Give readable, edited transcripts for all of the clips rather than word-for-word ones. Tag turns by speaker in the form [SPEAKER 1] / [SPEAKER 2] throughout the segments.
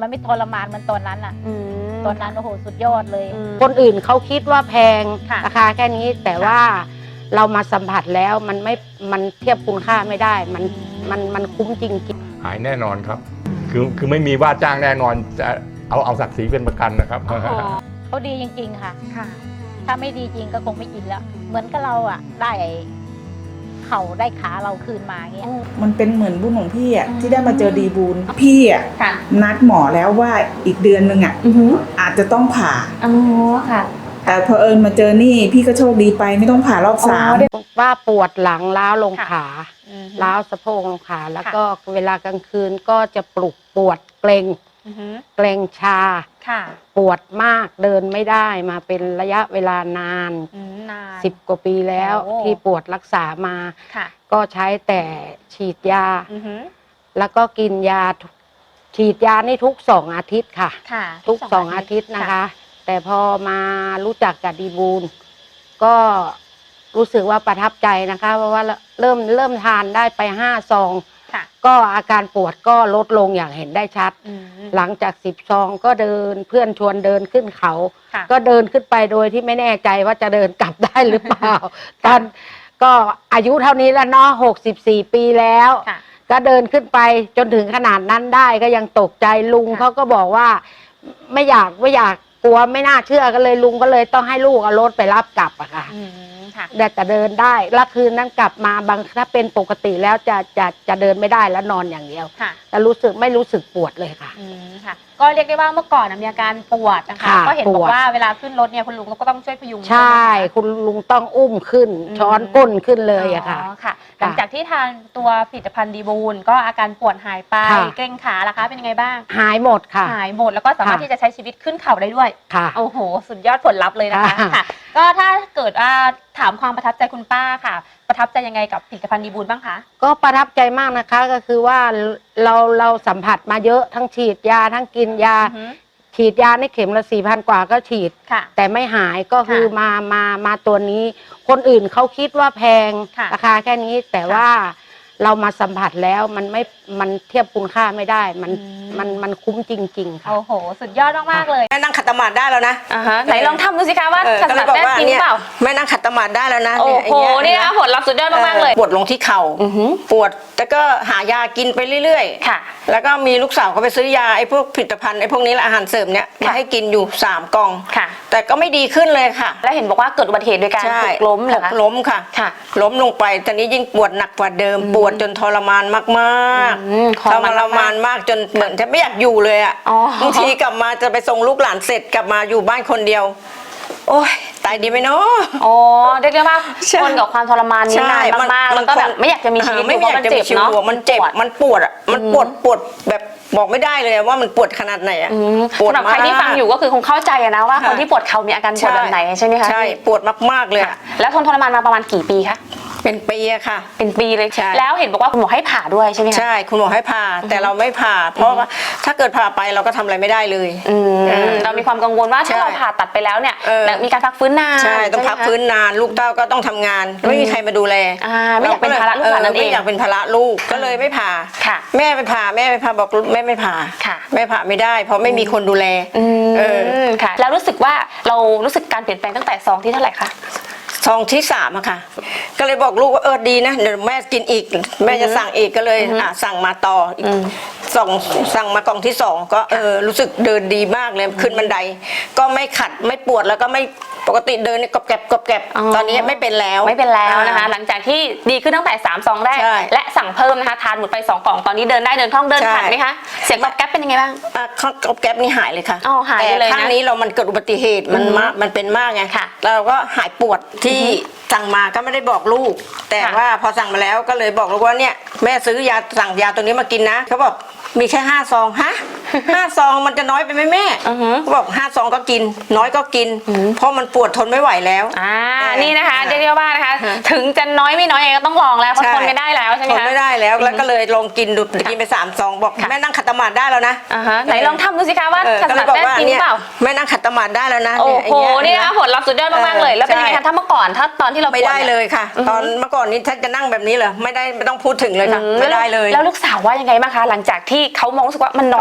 [SPEAKER 1] มันไม่ทรมานเหมือนตอนนั้นอ่ะตอนนั้นโอ้โหสุดยอดเลย
[SPEAKER 2] คนอื่นเขาคิดว่าแพง
[SPEAKER 1] ค่ะ
[SPEAKER 2] ราคาแค่นี้แต่ว่าเรามาสัมผัสแล้วมันเทียบคุณค่าไม่ได้มันคุ้มจริงๆ
[SPEAKER 3] หายแน่นอนครับ คือไม่มีว่าจ้างแน่นอนจะเอาศักดิ์ศรีเป็นประกันนะครับ
[SPEAKER 1] เขาดีจริงๆค่ะถ้าไม่ดีจริงก็คงไม่กินแล้ว เหมือนกับเราอ่ะได้เข่าได้ขาเราคืนมาเงี้ย
[SPEAKER 4] มันเป็นเหมือนบุญของพี่อ่ะที่ได้มาเจอดีบูลพี่อ่ะ
[SPEAKER 5] ค่ะ
[SPEAKER 4] นัดหมอแล้วว่าอีกเดือนนึงอ่ะอาจจะต้องผ่า
[SPEAKER 5] อ๋อค่ะ
[SPEAKER 4] แต่พอมาเจอนี่พี่ก็โชคดีไปไม่ต้องผ่ารอบสาม
[SPEAKER 2] ว่าปวดหลังล้าวลง
[SPEAKER 1] ค่ะ
[SPEAKER 2] ขาล้าวสะโพกลงขาแล้วก็เวลากลางคืนก็จะปวดเกรงชา
[SPEAKER 5] ค่ะ
[SPEAKER 2] ปวดมากเดินไม่ได้มาเป็นระยะเวลานาน
[SPEAKER 5] นาน
[SPEAKER 2] 10 กว่าปีแล้ว
[SPEAKER 5] โอ้
[SPEAKER 2] ที่ปวดรักษามา
[SPEAKER 5] ค่ะ
[SPEAKER 2] ก็ใช้แต่ฉีดยา แล้วก็กินยาฉีดยานี่ทุก2 อาทิตย์ค่ะ
[SPEAKER 5] ค่ะ
[SPEAKER 2] ทุก2 อาทิตย์นะคะ แต่พอมารู้จักกับดีบูลก็รู้สึกว่าประทับใจนะคะเพราะว่าเริ่มทานได้ไป5 ซอง
[SPEAKER 5] ค่ะ
[SPEAKER 2] ก็อาการปวดก็ลดลงอย่างเห็นได้ชัด หลังจาก10 ซองก็เดินเพื่อนชวนเดินขึ้นเขา
[SPEAKER 5] ค่ะ
[SPEAKER 2] ก็เดินขึ้นไปโดยที่ไม่แน่ใจว่าจะเดินกลับได้หรือเปล่า ตอนก็อายุเท่านี้แล้วเนาะ64 ปีแล้ว
[SPEAKER 5] ค่ะ
[SPEAKER 2] ก็เดินขึ้นไปจนถึงขนาดนั้นได้ก็ยังตกใจลุง
[SPEAKER 5] ค่ะ
[SPEAKER 2] เขาก็บอกว่าไม่อยากกลัวไม่น่าเชื่อก็เลยลุงก็เลยต้องให้ลูกเอารถไปรับกลับอะค่ะ
[SPEAKER 5] ค่ะ
[SPEAKER 2] แต่เดินได้แล้วคืนนั้นกลับมาถ้าเป็นปกติแล้วจะเดินไม่ได้แล้วนอนอย่างเดียว
[SPEAKER 5] ค่ะ
[SPEAKER 2] แต่ไม่รู้สึกปวดเลยค่ะ
[SPEAKER 5] ค่ะ ก็เรียกได้ว่าเมื่อก่อนมีอาการปวดนะคะ
[SPEAKER 2] ค่ะ
[SPEAKER 5] ก็เห็นบอ
[SPEAKER 2] ปว
[SPEAKER 5] ก
[SPEAKER 2] ด
[SPEAKER 5] ว่าเวลาขึ้นรถเนี่ยคุณลุงก็ต้องช่วยพยุง
[SPEAKER 2] ใช่ คุณลุงต้องอุ้มขึ้น ช้อนก้นขึ้นเลยอะค่ะ
[SPEAKER 5] อ๋อค่ะ หลังจากที่ทานตัวผลิตภัณฑ์ดีบูลก็อาการปวดหายไป
[SPEAKER 2] ค่ะ
[SPEAKER 5] เกร็งขาล่ะคะเป็นยังไงบ้าง
[SPEAKER 2] หายหมดค่ะ
[SPEAKER 5] หายหมดแล้วก็สามารถ
[SPEAKER 2] ค่ะ
[SPEAKER 5] ที่จะใช้ชีวิตขึ้นเขาได้ด้วย
[SPEAKER 2] ค่ะ
[SPEAKER 5] โอ้โห สุดยอดผลลัพธ์เลยนะคะ
[SPEAKER 2] ค่ะ
[SPEAKER 5] ค่ะ ก็ถ้าเกิดถามความประทับใจคุณป้าค่ะ ประทับใจยังไงกับผลิตภัณฑ์ดีบูลบ้างคะ
[SPEAKER 2] ก็ประทับใจมากนะคะก็คือว่าเราสัมผัสมาเยอะทั้งฉีดยาทั้งกินยา ฉีดยาในเข็มละ4,000 กว่าก็ฉีด
[SPEAKER 5] ค่ะ
[SPEAKER 2] แต่ไม่หายก็คือ
[SPEAKER 5] ค่ะ
[SPEAKER 2] มาตัวนี้ คนอื่นเขาคิดว่าแพง
[SPEAKER 5] ค่ะ
[SPEAKER 2] ราคาแค่นี้แต่ว่าเรามาสัมผัสแล้วมันเทียบคุณค่าไม่ได้มันคุ้มจริงๆค่ะ
[SPEAKER 5] โอ้โห สุดยอดมากๆเลย
[SPEAKER 6] แม่นั่งขัดสมาธิได้แล้วนะ
[SPEAKER 5] ไหนลองทำดูสิคะว่าขัดสมาธิได้จริงหรือเปล่า
[SPEAKER 6] แม่นั่งขัดสมาธิได้แล้วนะ
[SPEAKER 5] โอ้โห
[SPEAKER 6] เย
[SPEAKER 5] นี่นะผลลัพธ์สุดยอดมากๆเลย
[SPEAKER 6] ปวดลงที่เข่าปวดแล้วก็หายากินไปเรื่อยๆ
[SPEAKER 5] ค่ะ
[SPEAKER 6] แล้วก็มีลูกสาวเขาไปซื้อยาไอ้พวกผลิตภัณฑ์ไอ้พวกนี้แหละอาหารเสริมเนี่ยมาให้กินอยู่3 กล่อง
[SPEAKER 5] ค่ะ
[SPEAKER 6] แต่ก็ไม่ดีขึ้นเลยค่ะ
[SPEAKER 5] แล้วเห็นบอกว่าเกิดอุบัติเหตุโดยการ
[SPEAKER 6] ใช่
[SPEAKER 5] ถูกล้มเหรอ
[SPEAKER 6] ห
[SPEAKER 5] คะ
[SPEAKER 6] กล้มค่ะ
[SPEAKER 5] ค่ะ
[SPEAKER 6] ล้มลงไปตอนนี้ยิ่งปวดหนักกว่าเดิม ปวดจนทรมานมาก
[SPEAKER 5] ทรมาน
[SPEAKER 6] ทรมานมากจนเหมือนจะไม่อยากอยู่เลยอ่ะ
[SPEAKER 5] อ๋อ
[SPEAKER 6] บางทีกลับมาจะไปส่งลูกหลานเสร็จกลับมาอยู่บ้านคนเดียว โอ้ยตายดีไหมเนาะ
[SPEAKER 5] อ๋อเรียกได้ว่า
[SPEAKER 6] ใช่
[SPEAKER 5] ทนกับความทรมานนี้นานมากๆแล้วก็แบบไม่อยากจะมีชีวิต
[SPEAKER 6] ไม่
[SPEAKER 5] อยู่เพ
[SPEAKER 6] อยา
[SPEAKER 5] ราะ
[SPEAKER 6] ก
[SPEAKER 5] มัน
[SPEAKER 6] จะ
[SPEAKER 5] เจ็
[SPEAKER 6] มี
[SPEAKER 5] บ
[SPEAKER 6] ชีวิต
[SPEAKER 5] เนาะ
[SPEAKER 6] อยู่มันเจ็บมันปวดอ่ะมันปวดแบบบอกไม่ได้เลยว่ามันปวดขนาดไหนอ่ะปวด
[SPEAKER 5] สำหรับใครที่ฟังอยู่ก็คือคงเข้าใจอะนะว่าคนที่ปวดเข่ามีอาการปวดแบบไหนใช่ไหมคะ
[SPEAKER 6] ใช่ปวดมากๆเลย
[SPEAKER 5] ค่ะ
[SPEAKER 6] อะ
[SPEAKER 5] แล้วทนทรมานมาประมาณกี่ปีคะ
[SPEAKER 6] เป็นปีอะค่ะ
[SPEAKER 5] เป็นปีเลย
[SPEAKER 6] ใช่
[SPEAKER 5] แล้วเห็นบอกว่าคุณหมอให้ผ่าด้วยใช่ไหมคะ
[SPEAKER 6] ใช่คุณหมอให้ผ่าแต่เราไม่ผ่า เพราะว่าถ้าเกิดผ่าไปเราก็ทำอะไรไม่ได้เลย
[SPEAKER 5] เรามีความกังวลว่าถ้า
[SPEAKER 6] ใช่
[SPEAKER 5] เราผ่าตัดไปแล้วเนี่ย มีการพักฟื้นนาน
[SPEAKER 6] ใช่ต้องพักฟื้นนานลูกเต้าก็ต้องทำงานไม่มีใครมาดูแล
[SPEAKER 5] ไม่อยากเป็นภาระลูกหลานนั่นเอง
[SPEAKER 6] ไม่อยากเป็นภาระลูกก็เลยไม่ผ่า
[SPEAKER 5] ค่ะ
[SPEAKER 6] แม่ไปผ่าบอกแม่ไม่ผ่า
[SPEAKER 5] ค่ะ
[SPEAKER 6] แม่ผ่าไม่ได้ เพราะไม่มีคนดูแล
[SPEAKER 5] ค่ะ แล้วรู้สึกว่าเรารู้สึกการเปลี่ยนแปลงตั้งแต่ซองที่เท่าไหร่คะ
[SPEAKER 6] ซองที่3อะค่ะก็เลยบอกลูกว่าดีนะเดี๋ยวแม่กินอีกแม่จะสั่งอีกก็เลยสั่งมาต่ออีกสั่งมากล่องที่2ก็รู้สึกเดินดีมากเลยขึ้นบันไดก็ไม่ขัดไม่ปวดแล้วก็ไม่ปกติเดินกรอบแกรบตอนนี้ไม่เป็นแล้ว
[SPEAKER 5] นะคะหลังจากที่ดีขึ้นตั้งแต่3 ซองแรก
[SPEAKER 6] ใช่
[SPEAKER 5] และสั่งเพิ่มนะคะทานหมดไป2 กล่องตอนนี้เดินได้เดินคล่องเดิน
[SPEAKER 6] ใช่
[SPEAKER 5] ผ่านไหมคะเสียงกรอบแก๊บเป็นยังไงบ้าง
[SPEAKER 6] กรอบแกรบนี่หายเลยค่ะ
[SPEAKER 5] อ๋อหายไปเลยนะ
[SPEAKER 6] แต่ครั้งนี้มันเกิดอุบัติเหตุมันเป็นมากไง
[SPEAKER 5] ค่ะ
[SPEAKER 6] เราก็หายปวดที่สั่งมาก็ไม่ได้บอกลูก แต่
[SPEAKER 5] ค่ะ
[SPEAKER 6] ว่าพอสั่งมาแล้วก็เลยบอกลูกว่าเนี่ยแม่ซื้อยาสั่งยาตัวนี้มากินนะเขาบอกมีแค่5 ซองฮะ 5 ซองมันจะน้อยไปไหมแม่เขาบอก5 ซองก็กินน้อยก็กิน เพราะมันปวดทนไม่ไหวแล้ว
[SPEAKER 5] นี่นะคะเรียกว่านะคะถึงจะน้อยไม่น้อยยังไงก็ต้องลองแล้วเพราะทนไม่ได้แล้วใช่ไหม
[SPEAKER 6] ทน
[SPEAKER 5] คะ
[SPEAKER 6] ไม่ได้แล้วแล้วก็เลยลองกินดูกินไป3 ซองบอกแม่นั่งขัดสมาธิได้แล้วนะ
[SPEAKER 5] ไหนลองทำดูสิคะว่าขัดสมาธิได้จริงหรือเปล่า
[SPEAKER 6] แม่นั่งขัดสมาธิได้แล้วนะ
[SPEAKER 5] โอ้โห
[SPEAKER 6] เย
[SPEAKER 5] นี่นะผลลัพธ์สุดยอดมากๆเลย แล้วเป็นยังไงคะถ้าเมื่อก่อนถ้าตอนที่เรา
[SPEAKER 6] ไม่ได้เลยค่ะ ตอนเมื่อก่อนนี้ถ้าจะนั่งแบบนี้เหรอไม่ต้องพูดถึงเลยค่ะไม่ได้เลย
[SPEAKER 5] แล้วลูกสาวว่ายังไงบ้างคะหลังจากที่เขามองรู้สึกว่ามันน้อย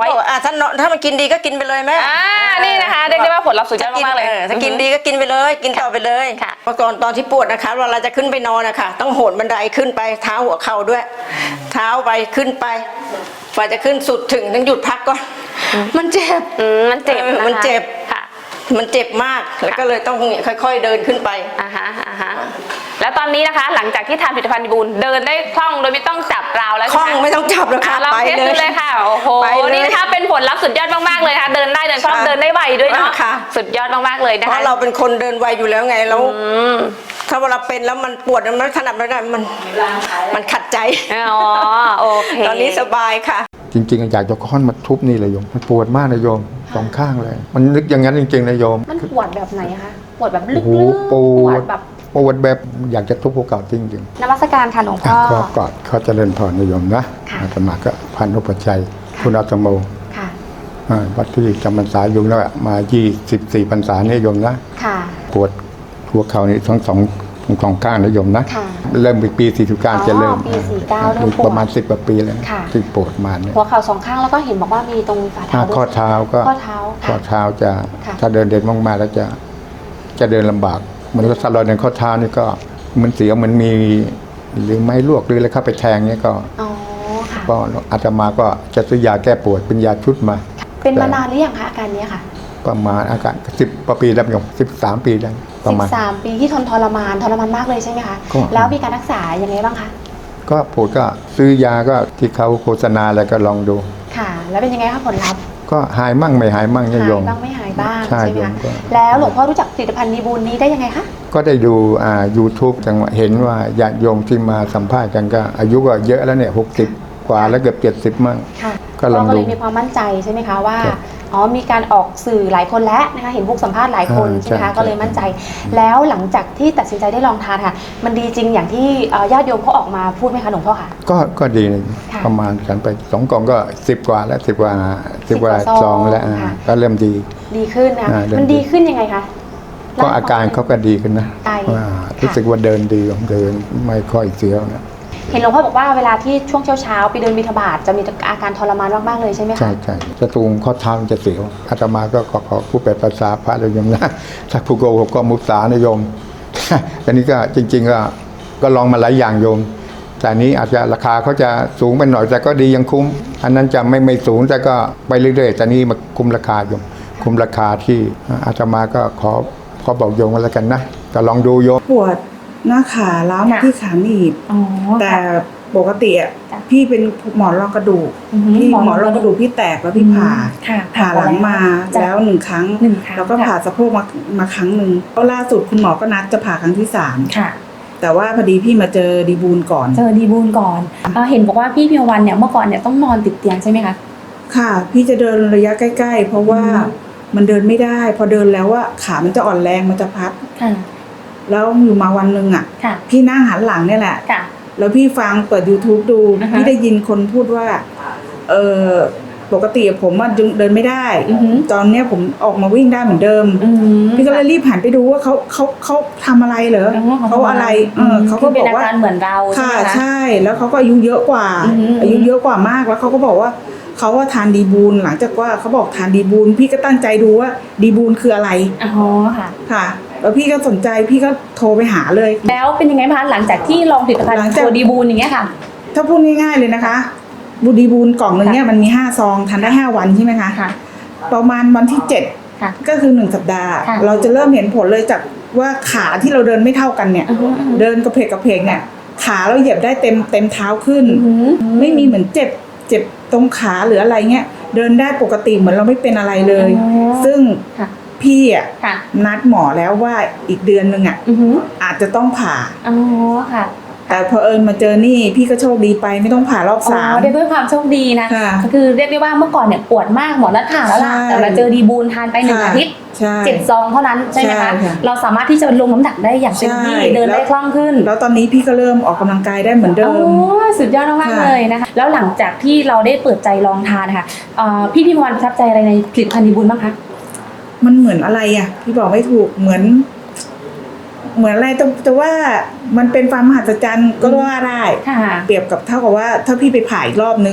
[SPEAKER 6] ถ้ามันกินดีก็กินไปเลยแม่
[SPEAKER 5] นี่นะคะเรียกได้ว่าผลลัพธ์สุดยอดมากๆเลย
[SPEAKER 6] ถ้ากินดีก็กินไปเลยกินต่อไปเลย
[SPEAKER 5] ค่ะ
[SPEAKER 6] เมื่อก่อนตอนที่ปวดนะคะเวลาจะขึ้นไปนอนนะคะต้องโหนบันไดขึ้นไปเท้าหัวเข่าด้วย เท้าไปขึ้นไปกว่าจะขึ้นสุดถึงต้องหยุดพักก่อนมันเจ็บ
[SPEAKER 5] มันเจ็บนะคะ
[SPEAKER 6] มันเจ็บ
[SPEAKER 5] ค่ะ
[SPEAKER 6] มันเจ็บมากแล้วก็เลยต้องค่อยๆเดินขึ้นไป
[SPEAKER 5] อ่าฮะแล้วตอนนี้นะคะ หลังจากที่ทานผลิตภัณฑ์ดีบูลเดินได้คล่องโดยไม่ต้องจับราวแล้ว
[SPEAKER 6] คล่องไม่ต้องจับแล้วค่ะ
[SPEAKER 5] เรา
[SPEAKER 6] ไป
[SPEAKER 5] เทส
[SPEAKER 6] เล
[SPEAKER 5] ดู
[SPEAKER 6] ย
[SPEAKER 5] เลยค่ะโอ้โห
[SPEAKER 6] ไปเลย
[SPEAKER 5] นี่นะคะเป็นผลลัพธ์สุดยอดมากๆเลยค่ะเดินได้เดินคล่อง
[SPEAKER 6] ค่ะ
[SPEAKER 5] เดินได้ไวด้วยเนาะ
[SPEAKER 6] ค่ะ
[SPEAKER 5] สุดยอดมากๆเลยนะ
[SPEAKER 6] เพ
[SPEAKER 5] คะ
[SPEAKER 6] ราะเราเป็นคนเดินไวอยู่แล้วไงแล้วถ้าเวลาเป็นแล้วมันปวดมันขนาดไม่ได้มันขัดใจ
[SPEAKER 5] อ๋อโอเค
[SPEAKER 6] ตอนนี้สบายค่ะ
[SPEAKER 3] จริงๆอยากจะค้อนมาทุบนี่เลยโยมมันปวดมากนะโยมสองข้างเลย มันนึกอย่างนั้นจริงๆนะโยม
[SPEAKER 5] มันปวดแบบไหนคะปวดแบบลึ
[SPEAKER 3] โอ้
[SPEAKER 5] ก
[SPEAKER 3] โห
[SPEAKER 5] ๆ
[SPEAKER 3] ปวด
[SPEAKER 5] แบบ
[SPEAKER 3] ปวดแบบอยากจะทุบภูเขาจริงๆ
[SPEAKER 5] นมัสการค่ะหลวงพ่อ
[SPEAKER 3] ขอกอดเขาเจริญพรนิยมนะ
[SPEAKER 5] ค่ะ
[SPEAKER 3] อาตมาก็พันธุปชชัยคุณอาตโม
[SPEAKER 5] ค่ะ
[SPEAKER 3] วัดที่จำพรรษาอยู่แล้วมา24พรรษานิยมนะ
[SPEAKER 5] ค่ะ
[SPEAKER 3] ปวดหัวเข่านี่ทั้งสองข้างนิยมนะ
[SPEAKER 5] ค่ะ
[SPEAKER 3] เริ่มปี49จะเริ่ม
[SPEAKER 5] ปี49เริ่มปวด
[SPEAKER 3] ประมาณ10กว่าปีแล้วนะ
[SPEAKER 5] ค่ะ
[SPEAKER 3] ที่ปวดมาเนี่ย
[SPEAKER 5] หัวเข่าสองข้างแล้วก็เห็นบอกว่ามีตรงฝ่าเท้าด้วย
[SPEAKER 3] ข้อเท้าก็
[SPEAKER 5] ข้อเท้า
[SPEAKER 3] ข้อ
[SPEAKER 5] ค่ะ
[SPEAKER 3] เท้าจะ
[SPEAKER 5] ค่ะ
[SPEAKER 3] ถ้าเดินมากๆแล้วจะเดินลำบากเหมือนถ้าเราเดินข้อเท้านี่ก็มันเสียวเหมันมีหรือไม้ลวกหรืออะไรเข้าไปแทงเนี่ยก็
[SPEAKER 5] อ๋อค่ะ
[SPEAKER 3] ก็อาตมาก็จะซื้อยาแก้ปวดเป็นยาชุดมา
[SPEAKER 5] เป็นมานานหรือยังคะอาการเนี้ยค่ะ
[SPEAKER 3] ประมาณอาการ10 ปีแล้วโยม13 ปีแล้วประมาณ
[SPEAKER 5] 13 ปีที่ทรมานมากเลยใช่ไหมคะ
[SPEAKER 3] ก็
[SPEAKER 5] แล้วมีการรักษายังไงบ้างคะ
[SPEAKER 3] ก็ปวดก็ซื้อยาก็ที่เขาโฆษณาอะไรก็ลองดู
[SPEAKER 5] ค่ะ แล้วเป็นยังไงคะผลลัพธ์
[SPEAKER 3] ก็หายมั่งไม่หายมั่งเนี่ย
[SPEAKER 5] หาย
[SPEAKER 3] โยม
[SPEAKER 5] บ้างไม่หายบ้าง
[SPEAKER 3] ใช่
[SPEAKER 5] ใช่ไหม
[SPEAKER 3] โยม
[SPEAKER 5] คะ
[SPEAKER 3] ก็
[SPEAKER 5] แล้วหลวงพ่อรู้จักผลิตภัณฑ์ดีบูลนี้ได้ยังไงคะ
[SPEAKER 3] ก็ได้ดูYouTube จังหวะเห็นว่าญาติโยมที่มาสัมภาษณ์กันก็อายุก็เยอะแล้วเนี่ย60 กว่าแล้วเกือบ70มั่ง
[SPEAKER 5] ค่ะ
[SPEAKER 3] ก็ลองดู
[SPEAKER 5] ก็เลยมีความมั่นใจใช่ไหมคะว่า
[SPEAKER 3] ครับ
[SPEAKER 5] อ๋อมีการออกสื่อหลายคนแล้วนะคะเห็นพวกสัมภาษณ์หลายคนใช่ไหมคะ
[SPEAKER 3] ใช่
[SPEAKER 5] ก็เลยมั่นใจ แล้วหลังจากที่ตัดสินใจได้ลองทานค่ะ มันดีจริงอย่างที่ญาติโยมเขาออกมาพูดไหมคะหลวงพ่อค่ะ
[SPEAKER 3] ก็ดีนะ
[SPEAKER 5] ค่ะ
[SPEAKER 3] ประมาณกันไป2 กล่องก็10 กว่าแล้ว10 กว่าซองแล้ว
[SPEAKER 5] ค่ะ
[SPEAKER 3] ก็เริ่มดี
[SPEAKER 5] ดีขึ้นนะคะ
[SPEAKER 3] เริ่ม
[SPEAKER 5] มันดีขึ้นยังไงคะ
[SPEAKER 3] ก็อาการเขาก็ดีขึ้นนะ
[SPEAKER 5] ใช่
[SPEAKER 3] ว่ารู้สึกว่าเดินดีเดินไม่ค่อยเสียวนะ
[SPEAKER 5] เห็นหลวงพ่อบอกว่าเวลาที่ช่วงเช้าๆไปเดินบิณฑบาตจะมีอาการทรมานมากๆเลยใช่ไหมคะ
[SPEAKER 3] ใช่จะตูงข้อเท้ามันจะเสียวอาตมาก็ขอผู้แปลภาษาพระเลยโยมนะถ้าผู้โกหกก็มุสานะโยม อันนี้ก็จริง ๆก็ลองมาหลายอย่างโยม แต่อันนี้อาจจะราคาเขาจะสูงไปหน่อยแต่ก็ดียังคุ้ม อันนั้นจะไม่สูงแต่ก็ไปเรื่อยๆแต่นี้มาคุ้มราคาโยมคุ้มราคาที่อาตมาก็ขอบอกโยมกันแล้วกันนะก็ลองดูโยม
[SPEAKER 4] ปวดหน้าขาล้าวมาที่ขาหนีบ
[SPEAKER 5] อ๋อ
[SPEAKER 4] แต่ปกติอ่ะ
[SPEAKER 5] จ้ะ
[SPEAKER 4] พี่เป็นหมอนรองกระดูก
[SPEAKER 5] อือฮึ
[SPEAKER 4] พี่หมอนรองกระดูกพี่แตกแล้วพี่ผ่า
[SPEAKER 5] ค่ะ
[SPEAKER 4] ผ่าหลังมา
[SPEAKER 5] จ้ะ
[SPEAKER 4] แล้ว1 ครั้ง
[SPEAKER 5] หนึ่งครั้ง
[SPEAKER 4] แล้วก็ผ่าสะโพกมาครั้งหนึ่งแล้วล่าสุดคุณหมอก็นัดจะผ่าครั้งที่
[SPEAKER 5] ค่ะ
[SPEAKER 4] 3แต่ว่าพอดีพี่มาเจอดีบูลก่อน
[SPEAKER 5] เจอดีบูลก่อนเห็นบอกว่าพี่พิมวันเนี่ยเมื่อก่อนเนี่ยต้องนอนติดเตียงใช่ไหมคะ
[SPEAKER 4] ค่ะ พี่จะเดินระยะใกล้ๆ เพราะว่ามันเดินไม่ได้ พอเดินแล้วว่าขามันจะอ่อนแรงมันจะพับ
[SPEAKER 5] ค่ะ
[SPEAKER 4] แล้วอยู่มาวันหนึ่งอ่ะ
[SPEAKER 5] ค่ะ
[SPEAKER 4] พี่นั่งหันหลังเนี่ยแหละ
[SPEAKER 5] ค่ะ
[SPEAKER 4] แล้วพี่ฟังเปิด YouTube ดู
[SPEAKER 5] อ่าฮะ
[SPEAKER 4] พี่ได้ยินคนพูดว่าปกติผมอะเดินไม่ได้
[SPEAKER 5] อือหือ
[SPEAKER 4] ตอนเนี้ยผมออกมาวิ่งได้เหมือนเดิม พี่ก็เลยรีบหันไปดูว่าเขาทำอะไรเหรอเขาอะไรเขาก็
[SPEAKER 5] คื
[SPEAKER 4] บอกว่า
[SPEAKER 5] เป็นอาการเหมือนเราใช่
[SPEAKER 4] ค่ะ
[SPEAKER 5] ไหมคะ
[SPEAKER 4] ใช่แล้วเขาก็อายุเยอะกว่า
[SPEAKER 5] อือหือ
[SPEAKER 4] อายุเยอะกว่ามากแล้วเขาก็บอกว่าเขาว่าทานดีบูลหลังจากว่าเขาบอกทานดีบูลพี่ก็ตั้งใจดูว่าดีบูลคืออะไร
[SPEAKER 5] อ๋อค่ะ
[SPEAKER 4] ค่ะ แล้วพี่ก็สนใจพี่ก็โทรไปหาเลย
[SPEAKER 5] แล้วเป็นยังไงบ้างคะหลังจากที่ลองผลิตภัณฑ์
[SPEAKER 4] หลังจาก
[SPEAKER 5] ตัวดีบูลอย่างเงี้ยค่ะ
[SPEAKER 4] ถ้าพูดง่ายๆเลยนะคะบูดีบูลกล่องหนึ่งเนี่ยมันมี5 ซองทานได้5 วันใช่ไหมคะ
[SPEAKER 5] ค่ะ
[SPEAKER 4] ประมาณวันที่
[SPEAKER 5] ค่ะ
[SPEAKER 4] 7 ก็คือ1 สัปดาห์
[SPEAKER 5] ค่ะ
[SPEAKER 4] เราจะเริ่มเห็นผลเลยจากว่าขาที่เราเดินไม่เท่ากันเนี่ย
[SPEAKER 5] อือฮึอือฮึ
[SPEAKER 4] เดินกระเพกเนี่ยขาเราเหยียบได้เต็มเท้าขึ้น
[SPEAKER 5] อือหือ
[SPEAKER 4] ไม่มีเหมือนเจ็บตรงขาหรืออะไรเงี้ยเดินได้ปกติเหมือนเราไม่เป็นอะไรเลย
[SPEAKER 5] อ๋อ
[SPEAKER 4] ซึ่ง
[SPEAKER 5] ค่ะ
[SPEAKER 4] พี่อ่ะ
[SPEAKER 5] ค่ะ
[SPEAKER 4] นัดหมอแล้วว่าอีกเดือนนึงอ่ะ
[SPEAKER 5] อือหือ
[SPEAKER 4] อาจจะต้องผ่า
[SPEAKER 5] อ๋อค่ะ
[SPEAKER 4] แต่พอมาเจอนี่พี่ก็โชคดีไปไม่ต้องผ่ารอบ
[SPEAKER 5] อ๋
[SPEAKER 4] 3
[SPEAKER 5] อได้ด้วยความโชคดีนะ
[SPEAKER 4] ค่ะ
[SPEAKER 5] ก็คือเรียกได้ว่าเมื่อก่อนเนี่ยปวดมากหมอนัดผ่าแล้วล่ะ
[SPEAKER 4] ใช่
[SPEAKER 5] แต่มาเจอดีบูลทานไป1
[SPEAKER 4] ค่ะ
[SPEAKER 5] อาทิตย์
[SPEAKER 4] ใช่
[SPEAKER 5] 7 ซองเท่านั้นใช่ไหม
[SPEAKER 4] ใช่
[SPEAKER 5] คะ
[SPEAKER 4] ค่ะ
[SPEAKER 5] เราสามารถที่จะลงน้ำหนักได้อย่างเต็มที่
[SPEAKER 4] ใช่
[SPEAKER 5] เดินได้คล่องขึ้น
[SPEAKER 4] แล้วตอนนี้พี่ก็เริ่มออกกำลังกายได้เหมือนเดิ
[SPEAKER 5] โอ้
[SPEAKER 4] ม
[SPEAKER 5] สุดยอดมากๆ
[SPEAKER 4] ค่ะ
[SPEAKER 5] เลยนะคะแล้วหลังจากที่เราได้เปิดใจลองทานค่ะพี่พิมพ์วันประทับใจอะไรในผลิตภัณฑ์ดีบูลบ้างคะ
[SPEAKER 4] มันเหมือนอะไรอ่ะพี่บอกไม่ถูกเหมือนอะไรแต่ว่ามันเป็นความมหัศจรรย์ก็ว่าได้
[SPEAKER 5] ค่ะ
[SPEAKER 4] เปรียบกับเท่ากับว่าถ้าพี่ไปผ่าอีกรอบนึง
[SPEAKER 5] ค่ะ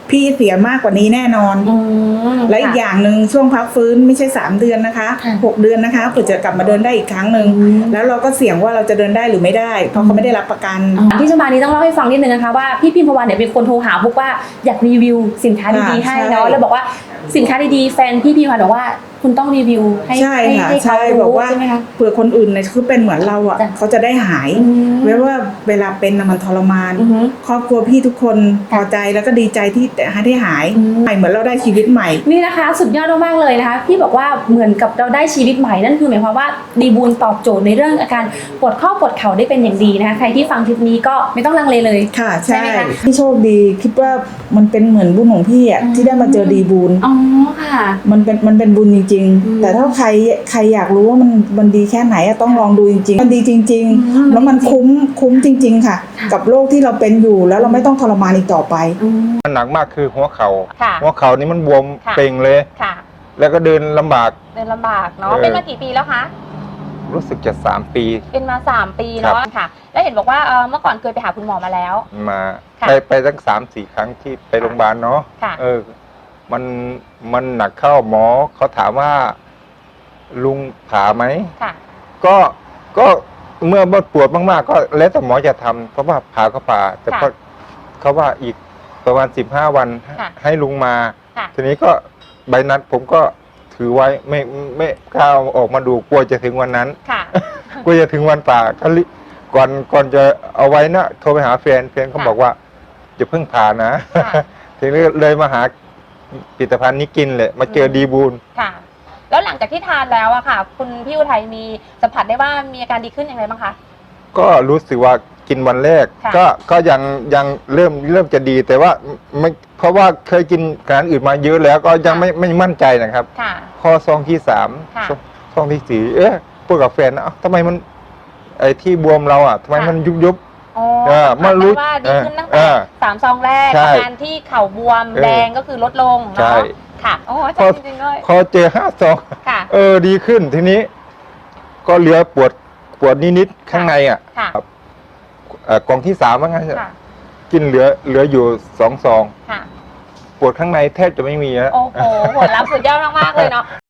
[SPEAKER 4] พี่เสียมากกว่านี้แน่นอน และอีกอย่างหนึ่งช่วงพักฟื้นไม่ใช่ 3 เดือนนะคะ
[SPEAKER 5] ค่ะ
[SPEAKER 4] 6 เดือนนะคะเพื่อจะกลับมาเดินได้อีกครั้งหนึ่งแล้วเราก็เสี่ยงว่าเราจะเดินได้หรือไม่ได้ เพราะเขาไม่ได้รับประกัน
[SPEAKER 5] ที่จะมานี้ต้องเล่าให้ฟังนิดนึงนะคะว่าพี่พิมพวันเนี่ยเป็นคนโทรหาบุ๊กว่าอยากรีวิวสินค้าดีๆให้เนาะ
[SPEAKER 4] ใช่
[SPEAKER 5] แล้วบอกว่าสินค้าดีๆแฟนพี่พิมพวันบอกว่าคุณต้องรีวิวให้
[SPEAKER 4] ใช่ค่ะ
[SPEAKER 5] ให้เขา
[SPEAKER 4] ใช่บอ
[SPEAKER 5] รู้
[SPEAKER 4] กว่า
[SPEAKER 5] ใช่ไหมคะ
[SPEAKER 4] เผื่อคนอื่นเนี่ยคือเป็นเหมือนเราอ่ะ
[SPEAKER 5] จ้ะ
[SPEAKER 4] เขาจะได้หาย ไว้ว่าเวลาเป็นน่ะมันทรมาน
[SPEAKER 5] อือฮึ
[SPEAKER 4] ครอบครัวพี่ทุกคนพอใจแล้วก็ดีใจที่ได้หายใหม่เหมือนเราได้ชีวิตใหม่
[SPEAKER 5] นี่นะคะสุดยอดมากๆเลยนะคะพี่บอกว่าเหมือนกับเราได้ชีวิตใหม่นั่นคือหมายความว่าดีบูลตอบโจทย์ในเรื่องอาการปวดข้อปวดเข่าได้เป็นอย่างดีนะคะใครที่ฟังคลิปนี้ก็ไม่ต้องลังเลเลย
[SPEAKER 4] ค่ะ
[SPEAKER 5] ใช่
[SPEAKER 4] ใช่
[SPEAKER 5] ไหมคะ
[SPEAKER 4] พี่โชคดีคิดว่ามันเป็นเหมือนบุญของพี่อ่ะที่ได้มาเจอดีบุญ
[SPEAKER 5] อ๋อค่ะ
[SPEAKER 4] มันเป็นบุญจริง ๆ แต่ถ้าใครอยากรู้ว่ามันดีแค่ไหนอะต้องลองดูจริงๆมันดีจริง ๆ แล้วมันคุ้มจริง ๆ ค่ะ กับโรคที่เราเป็นอยู่แล้วเราไม่ต้องทรมานอีกต่อไป
[SPEAKER 7] มันหนักมากคือหัวเขา
[SPEAKER 1] ค่ะ
[SPEAKER 7] หัวเข่านี่มันบวม
[SPEAKER 1] ค่ะ
[SPEAKER 7] เป่งเลย
[SPEAKER 1] ค่ะ
[SPEAKER 7] แล้วก็เดินลำบาก
[SPEAKER 1] เดินลำบากเนาะ
[SPEAKER 7] เออ
[SPEAKER 1] เป็นมากี่ปีแล้วคะ
[SPEAKER 7] รู้สึกจะ3 ปี
[SPEAKER 1] เป็นมา 3 ปีเนาะค่ะ แล้วเห็นบอกว่าเมื่อก่อนเคยไปหาคุณหมอมาแล้ว
[SPEAKER 7] มา
[SPEAKER 1] ค่ะ
[SPEAKER 7] ไปตั้ง3-4 ครั้งที่ไปโรงพยาบาลเนาะ
[SPEAKER 1] ค่ะ
[SPEAKER 7] มันหนักเข้าหมอเขาถามว่า ลุงผ่าไหม
[SPEAKER 1] ค่ะ
[SPEAKER 7] ก็เมื่อปวดมากๆ ก็แล้วแต่หมอจะทำเพราะว่าผ่าก็ผ่า แต่
[SPEAKER 1] ค่ะ
[SPEAKER 7] ก็เขาว่าอีกประมาณ15 วัน
[SPEAKER 1] ค่ะ
[SPEAKER 7] ให้ลุงมา
[SPEAKER 1] ค่ะ
[SPEAKER 7] ทีนี้ก็ใบนัดผมก็ถือไว้ไม่กล้าเอาออกมาดูกลัวจะถึงวันนั้น
[SPEAKER 1] ค่ะ
[SPEAKER 7] กลัวจะถึงวันป่าก็ก่อนจะเอาไว้นะโทรไปหาแฟนเขา
[SPEAKER 1] ค่ะ
[SPEAKER 7] บอกว่าจะเพิ่งผ่านะ
[SPEAKER 1] ค่ะ
[SPEAKER 7] ทีนี้เลยมาหาผลิตภัณฑ์นี้กินเลยมาเจอดีบูล
[SPEAKER 1] ค่ะ แล้วหลังจากที่ทานแล้วอะค่ะ คุณพี่อุทัยมีสัมผัสได้ว่ามีอาการดีขึ้นอย่างไรบ้างคะ
[SPEAKER 7] ก็รู้สึกว่ากินวันแรก
[SPEAKER 1] ค่ะ
[SPEAKER 7] ก็ยังเริ่มจะดีแต่ว่าไม่เพราะว่าเคยกินอาหารอื่นมาเยอะแล้วก็ยังไม่มั่นใจนะครับ
[SPEAKER 1] ค่ะ
[SPEAKER 7] พอซองที่3
[SPEAKER 1] ค่ะ
[SPEAKER 7] ซองที่4พูดกับแฟนนะเอ้าทำไมมันไอ้ที่บวมเราอ่ะทำไมมันยุบ
[SPEAKER 1] อ๋อ
[SPEAKER 7] มารู้
[SPEAKER 1] ว่าดีขึ้นตั้ง
[SPEAKER 7] เอ
[SPEAKER 1] แต่
[SPEAKER 7] อ
[SPEAKER 1] 3 ซองแรก
[SPEAKER 7] ใช่
[SPEAKER 1] อาการที่เข่าบวม
[SPEAKER 7] เออ
[SPEAKER 1] แดงก็คือลดลง
[SPEAKER 7] ใช่
[SPEAKER 1] เนาะค่ะโอ้อาจารย์จริงๆด้วย
[SPEAKER 7] พอเจอ5 ซอง
[SPEAKER 1] ค่ะ
[SPEAKER 7] ดีขึ้นทีนี้ ก็เหลือปวดนิดๆข้างในอ่ะ
[SPEAKER 1] ค่ะ
[SPEAKER 7] กล่องที่3ว่างั้น
[SPEAKER 1] ค่ะ
[SPEAKER 7] กินเหลืออยู่2 ซอง
[SPEAKER 1] ค่ะ
[SPEAKER 7] ปวดข้างในแทบจะไม่มีแล้ว
[SPEAKER 1] โอ้โหผลลัพธ์สุดยอดมากๆเลยเนาะ